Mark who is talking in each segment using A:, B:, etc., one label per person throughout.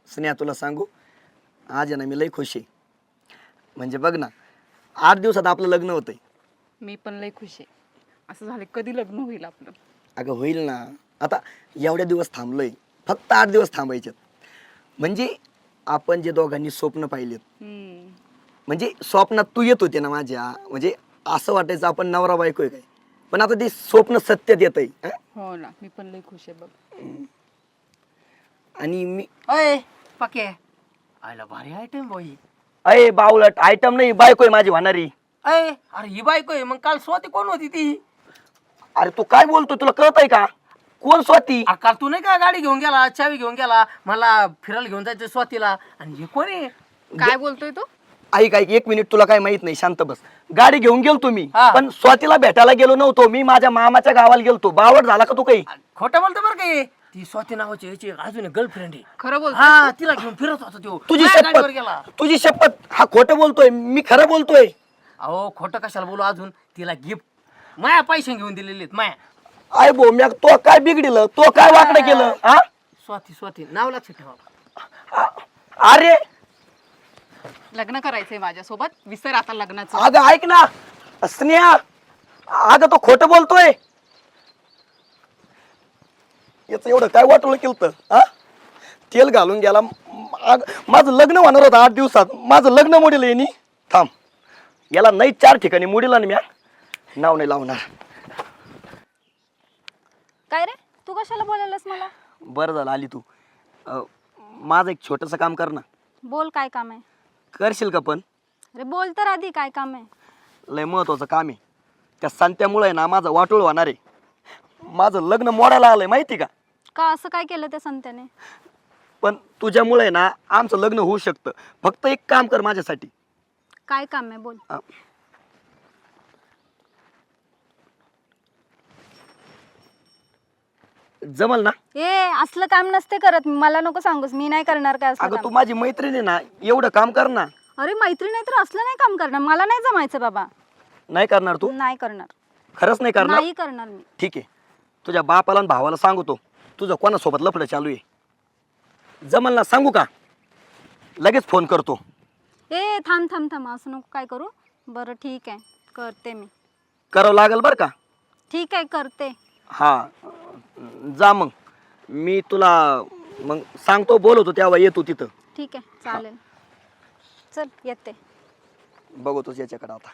A: स्नेहा तुला सांगू, आज आहे ना मी लई खुश आहे. म्हणजे बघ ना, 8 दिवसात आपलं लग्न होतंय.
B: मी पण लय खुश आहे. असं झालं कधी लग्न होईल आपलं.
A: अगं होईल ना. आता एवढ्या दिवस थांबलोय, फक्त 8 दिवस थांबायचे. म्हणजे आपण जे दोघांनी स्वप्न पाहिलेत, म्हणजे स्वप्नात तू येत होते ना माझ्या, म्हणजे असं वाटायचं आपण नवरा बायको आहे काय, पण आता ते स्वप्न सत्यात येत आहे.
B: हो ना, मी पण लय खुश आहे बघ.
A: आणि मी
C: अय पके आयला भारी आयटम बाई.
A: अय बावलट आयटम नाही, बायको आहे माझी होणारी.
C: अय अरे ही बायको आहे मग काल स्वाती कोण होती ती?
A: अरे तू काय बोलतोय, तुला कळत आहे का? कोण स्वाती?
C: काल तू नाही का गाडी घेऊन गेला, चावी घेऊन गेला, मला फिरायला घेऊन जायचं स्वातीला, आणि हे कोण आहे?
B: काय बोलतोय तू?
A: ऐक ऐक, 1 मिनिट, तुला काय माहित नाही, शांत बस. गाडी घेऊन गेलतो मी,
C: हा.
A: पण स्वातीला भेटायला गेलो नव्हतो. मी माझ्या मामाच्या गावाला गेलतो. बावट झाला का तू काही?
C: खोटं बोलतो बरं काय? ती स्वाती नावाची याची अजून गर्लफ्रेंड आहे.
B: खरं बोलतोय?
C: हा, तिला घेऊन फिरत होता तो.
A: तुझी
C: माझ्या गाडीवर
A: शपथ,
C: गेला.
A: तुझी शपथ, हा खोटं बोलतोय, मी खरं बोलतोय.
C: अहो खोटं कशाला बोलू, अजून तिला गिफ्ट माया पैसे घेऊन दिलेले आहेत माया.
A: आय भोम्या, तो काय बिघडिलं, तो काय वाकडं केलं? हा
C: स्वाती स्वाती नाव लक्षात ठेवा.
A: अरे
B: लग्न करायचंय माझ्यासोबत, विसर आता लग्नाचं.
A: अगं ऐक ना स्नेहा, अगं तो खोटं बोलतोय. याच एवढं काय वाटलं केलं? हा, तेल घालून गेला. माझं लग्न होणार होतं 8 दिवसात, माझं लग्न मोडील यांनी. थांब, याला नाही 4 ठिकाणी मोडीला आणि मी नाव नाही लावणार.
D: काय रे, तू कशाला बोलायलास मला?
A: बरं झालं आली तू. माझं एक छोटंसं काम कर ना.
D: बोल, काय काम आहे?
A: करशील का पण?
D: अरे बोल तर आधी, काय काम आहे?
A: लय महत्वाचं काम आहे. त्या संत्यामुळे ना माझं वाटोळ होणार आहे. माझं लग्न मोडायला आलंय, माहिती का?
D: का असं काय केलं त्या संत्याने?
A: पण तुझ्यामुळे ना आमचं लग्न होऊ शकतं. फक्त एक काम कर माझ्यासाठी.
D: काय काम आहे बोल.
A: जमल ना?
D: ए, असलं काम नसते करत, मला नको सांगूस, मी नाही करणार काय असलं
A: अगं तू
D: काम.
A: माझी मैत्रीण आहे ना, एवढं काम कर ना.
D: अरे मैत्री नाही तर असलं नाही काम करणार, मला नाही जमायचं बाबा.
A: नाही करणार तू?
D: नाही करणार.
A: खरंच नाही करणार?
D: नाही करणार मी.
A: ठीक आहे, तुझ्या बापाला आणि भावाला सांगतो तुझं कोणासोबत लफडं चालू आहे. जमल ना? सांगू का? लगेच फोन करतो.
D: ए थांब थांब थांब, असं नको काय करू. बरं ठीक आहे, करते मी.
A: करावं लागेल बरं का?
D: ठीक आहे, करते.
A: हा, जा मग. मी तुला मग सांगतो, बोलवतो तेव्हा येतो तिथं.
D: ठीक आहे, चालेल. चल येते.
A: बघतोच याच्याकडे आता.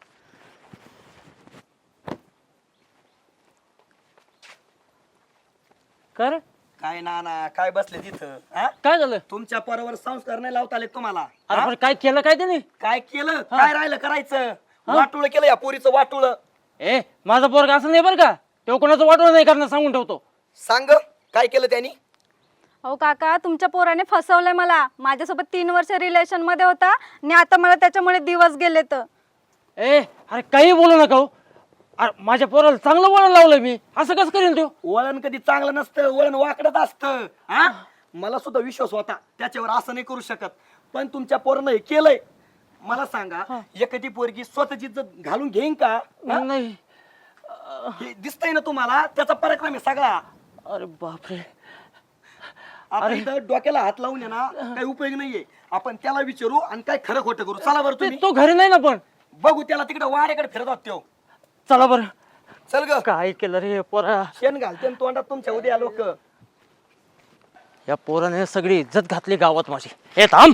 C: कर
A: काय ना काय बसले तिथं? हा?
C: काय झालं?
A: तुमच्या पोरावर संस्कार नाही लावता आले तुम्हाला?
C: अरे
A: हा?
C: पण काय केलं काय त्याने?
A: काय केलं? काय राहिलं करायचं? वाटुळ केलं या पोरीचं, वाटुळ.
C: ए माझा पोरगा असं नाही बरं का, तो कोणाचं वाटवं नाही करणार, सांगून ठेवतो.
A: सांग काय केलं त्यांनी?
D: अहो काका, तुमच्या पोराने फसवलंय मला. माझ्यासोबत 3 वर्ष रिलेशन मध्ये होता आणि आता मला त्याच्यामुळे दिवस गेले तर.
C: ए अरे काही बोलू नका हो. अरे माझ्या पोराला चांगलं वळण लावलंय मी, असं कसं करेल तो?
A: वळण कधी चांगलं नसतं, वळण वाकडत असतं. हा, मला सुद्धा विश्वास होता त्याच्यावर, असं नाही करू शकत. पण तुमच्या पोरानं हे केलंय. मला सांगा, एखादी पोरगी स्वतःची इज्जत घालून घेईन का? हा?
C: नाही.
A: हे दिसतंय ना तुम्हाला, त्याचा पराक्रम आहे सगळा.
C: अरे बापरे.
A: आता इथं डोक्याला हात लावून आहे ना काही उपयोग नाहीये. आपण त्याला विचारू आणि काय खरं खोटं करू. चला बरं तुम्ही.
C: तो घरी नाही ना पण.
A: बघू त्याला, तिकडे वाड्याकडे फिरत होत त्यो.
C: चला बरं.
A: चल ग.
C: काय केलं रे पोरा?
A: शेण घालते तोंडात तुमच्या उद्या लोक.
C: या पोराने सगळी इज्जत घातली गावात माझी. हे थांब.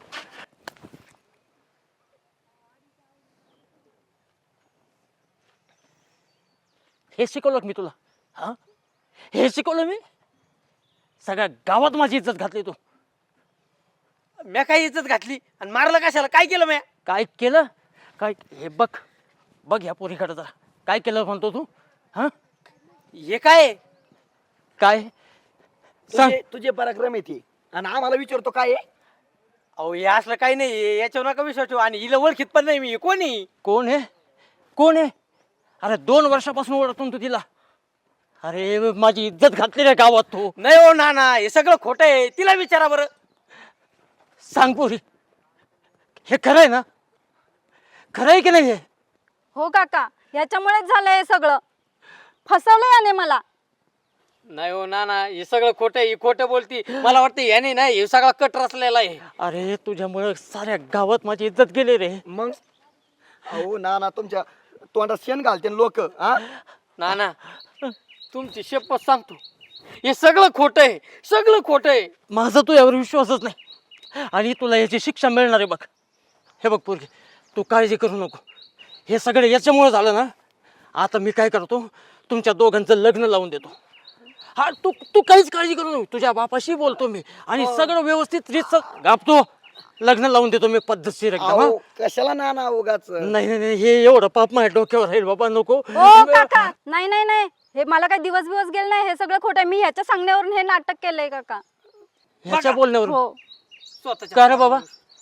C: हे शिकवलं मी तुला? हा, हे शिकवलं मी? सगळ्या गावात माझी इज्जत घातली तू.
E: म्या काय इज्जत घातली आणि मारलं कशाला? काय केलं म्या?
C: काय केलं? काय हे बघ, बघ ह्या पोरीकडे जरा. काय केलं म्हणतो तू? हा,
E: हे काय?
C: काय सांग.
A: तुझे पराक्रम येते आणि आम्हाला विचारतो काय आहे?
E: अहो हे असलं काही नाही, याच्यावर नका विश्वास ठेवू. आणि हिला ओळखीत पण नाही मी. कोणी?
C: कोण आहे? कोण आहे? अरे 2 वर्षापासून ओळखतो तू तिला. अरे माझी इज्जत घातली रे गावात तू.
E: नाही हो नाना, हे सगळं खोटं आहे. तिला विचारा बरं.
C: सांग पोरी, हे खरं आहे ना? खरं आहे की नाही हे?
D: हो काका, याच्यामुळेच झालंय हे सगळं. फसवलंय याने मला.
E: नाही हो नाना हे सगळं खोटं आहे, ही खोटं बोलती. मला वाटतं याने ना हे सगळा कट रचलेला आहे.
C: अरे तुझ्यामुळे साऱ्या गावात माझी इज्जत गेली रे.
A: मग अहो ना तुमच्या तोंडात शेण घालते लोक हा.
E: नाना तुमची शपथ सांगतो हे सगळं खोटं आहे, सगळं खोटं आहे.
C: माझा तू यावर विश्वासच नाही आणि तुला याची शिक्षा मिळणार आहे बघ. हे बघ पोरगी, तू काळजी करू नको. हे सगळं याच्यामुळे झालं ना. आता मी काय करतो, तुमच्या दोघांचं लग्न लावून देतो. हा तू तू काहीच काळजी करू नको. तुझ्या बापाशी बोलतो मी आणि सगळं व्यवस्थित रीत गापतो. लग्न लावून देतो मी पद्धतशीर एकदम. हा?
A: अहो, कशाला ना उगाच
C: नाही नाही नाही, हे एवढं पाप माझ्या डोक्यावर राहील बाबा, नको.
D: ओ काका नाही नाही नाही, हे मला काही दिवस गेले नाही, हे सगळं खोटं आहे. मी ह्याच्या सांगण्यावरून हे नाटक केलंय काका.
C: ह्याच्या बोलण्यावर
D: हो
E: स्वतःच्या
C: का रे बाबा,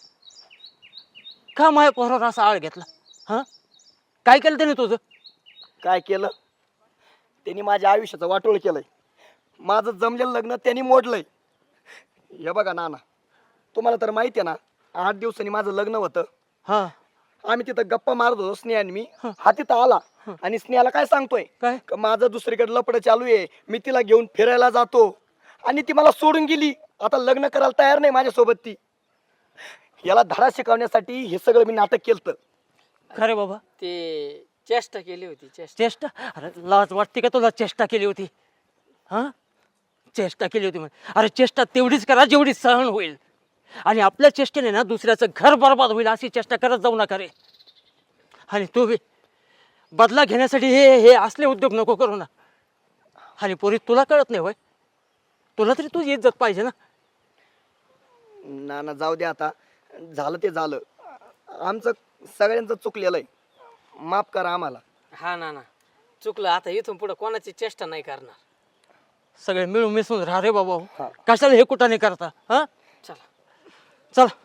C: का माझ्या पोरावर असा आळ घेतला? हा काय केलं त्याने तुझं?
A: काय केलं त्यांनी माझ्या आयुष्याचं वाटोळ केलंय. माझं जमलेलं लग्न त्यांनी मोडलंय. हे बघा नाना, तुम्हाला तर माहिती आहे ना, 8 दिवसांनी माझं लग्न होतं.
C: हा
A: आम्ही तिथं गप्पा मारत होतो स्नेहा आणि मी. हा तिथं आला आणि स्नेहाला काय सांगतोय,
C: काय?
A: का माझं दुसरीकडे लपड चालू आहे, मी तिला घेऊन फिरायला जातो आणि ती मला सोडून गेली. आता लग्न करायला तयार नाही माझ्यासोबत ती. याला धडा शिकवण्यासाठी हे सगळं मी नाटक केलं.
C: खरे बाबा,
E: ते चेष्टा केली होती चेष्टा.
C: चेष्टा? अरे लाज वाटते का तुला? चेष्टा केली होती? हा चेष्टा केली होती म्हणे. अरे चेष्टा तेवढीच करा जेवढी सहन होईल. आणि आपल्या चेष्टेने ना दुसऱ्याचं घर बरबाद होईल अशी चेष्टा करत जाऊ नका रे. आणि तू बी बदला घेण्यासाठी हे हे असले उद्योग नको करू ना. आणि पोरी तुला कळत नाही होय? तुला तरी तुझी इज्जत पाहिजे ना.
A: नाना जाऊ दे आता, झालं ते झालं. आमचं सगळ्यांचं चुकलेलं आहे, माफ करा आम्हाला.
E: हा नाना चुकलं, आता इथून पुढे कोणाची चेष्टा नाही करणार.
C: सगळे मिळून मिसळून राहा रे बाबा. कशाला हे कुठं नाही करता? हा
E: चला
C: चला.